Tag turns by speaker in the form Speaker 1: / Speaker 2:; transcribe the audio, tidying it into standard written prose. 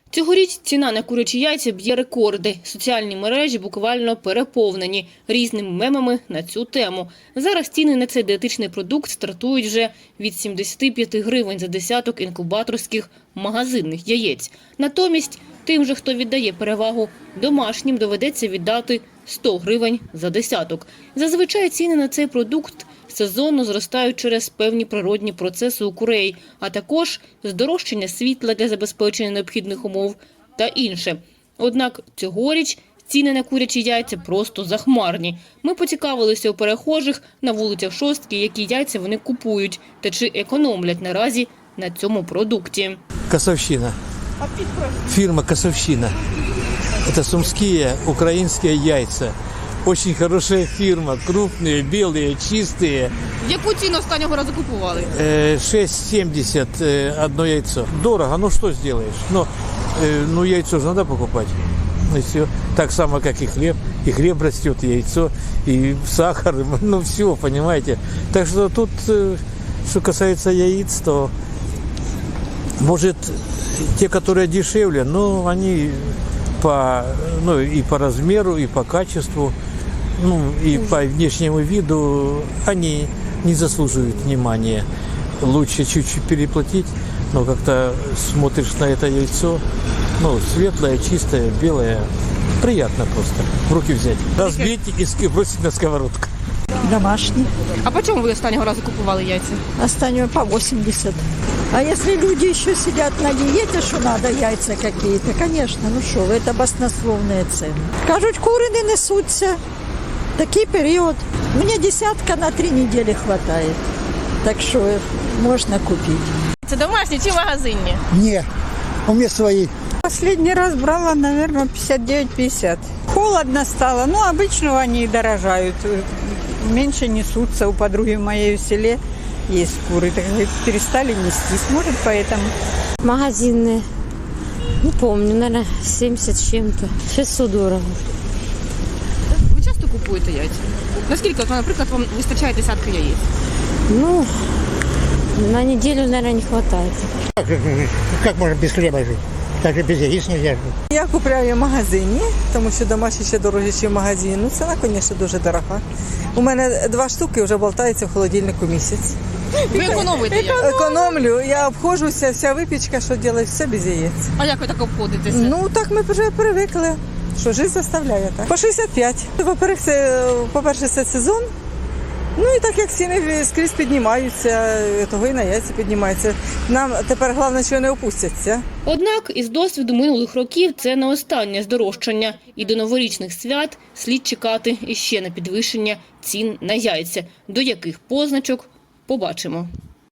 Speaker 1: Цьогоріч ціна на курячі яйця б'є рекорди. Соціальні мережі буквально переповнені різними мемами на цю тему. Зараз ціни на цей дієтичний продукт стартують вже від 75 гривень за десяток інкубаторських магазинних яєць. Натомість тим же, хто віддає перевагу домашнім, доведеться віддати 100 гривень за десяток. Зазвичай ціни на цей продукт сезонно зростають через певні природні процеси у курей, а також здорожчання світла для забезпечення необхідних умов та інше. Однак цьогоріч ціни на курячі яйця просто захмарні. Ми поцікавилися у перехожих на вулицях Шостки, які яйця вони купують та чи економлять наразі на цьому продукті.
Speaker 2: Косовщина. Фирма «Косовщина». Это сумские украинские яйца. Очень хорошая фирма, крупные, белые, чистые.
Speaker 1: Яку ціну останнього разу купували?
Speaker 2: 6,70 одно яйцо. Дорого, ну что сделаешь? Ну яйцо же надо покупать. И все. Так само, как и хлеб. И хлеб растет, и яйцо, и сахар, ну все, понимаете. Так что тут, что касается яиц, то может те, которые дешевле, но они и по размеру, и по качеству, и по внешнему виду они не заслуживают внимания. Лучше чуть-чуть переплатить, но как-то смотришь на это яйцо, светлое, чистое, белое, приятно просто в руки взять, разбить и бросить на сковородку.
Speaker 3: Домашний.
Speaker 1: А по чому ви останнього разу купували яйця?
Speaker 3: Останнего по 80. А если люди еще сидят на диете, что надо яйца какие-то, конечно, это баснословные цены. Кажуть, кури не несуться. Такий період. Мені десятка на 3 недели хватает. Так що можна купити.
Speaker 1: Це домашні чи магазинні?
Speaker 4: Не, у меня свои.
Speaker 5: Последний раз брала, наверное, 59-50. Холодно стало, обычно они дорожают. Меньше несутся. У подруги моей в селе есть куры, так говорит, перестали нестись. Может, поэтому.
Speaker 6: Магазинные. Не помню, наверное, 70 с чем-то. Сейчас все дорого.
Speaker 1: Ви часто купуєте яйця? Наскільки, наприклад, вам вистачає десятка яєць?
Speaker 6: На неделю, наверное, не хватает.
Speaker 4: Как можно без хлеба жить? Так же без яиц нельзя жить.
Speaker 7: Я купляю в магазині, тому що домашні ще дорожчі, ніж в магазині. Ціна, звісно, дуже дорога. У мене 2 штуки вже болтаються в холодильнику місяць.
Speaker 1: Ви економите яйця?
Speaker 7: Економлю, я обходжуся, вся випічка, що роблю, все без яєць.
Speaker 1: А як ви так обходитеся?
Speaker 7: Так ми вже привикли, що життя заставляє так. По 65. По-перше, це сезон. І так як ціни скрізь піднімаються, того і на яйця піднімаються. Нам тепер головне, що не опустяться.
Speaker 1: Однак, із досвіду минулих років це не останнє здорожчання. І до новорічних свят слід чекати іще на підвищення цін на яйця. До яких позначок – побачимо.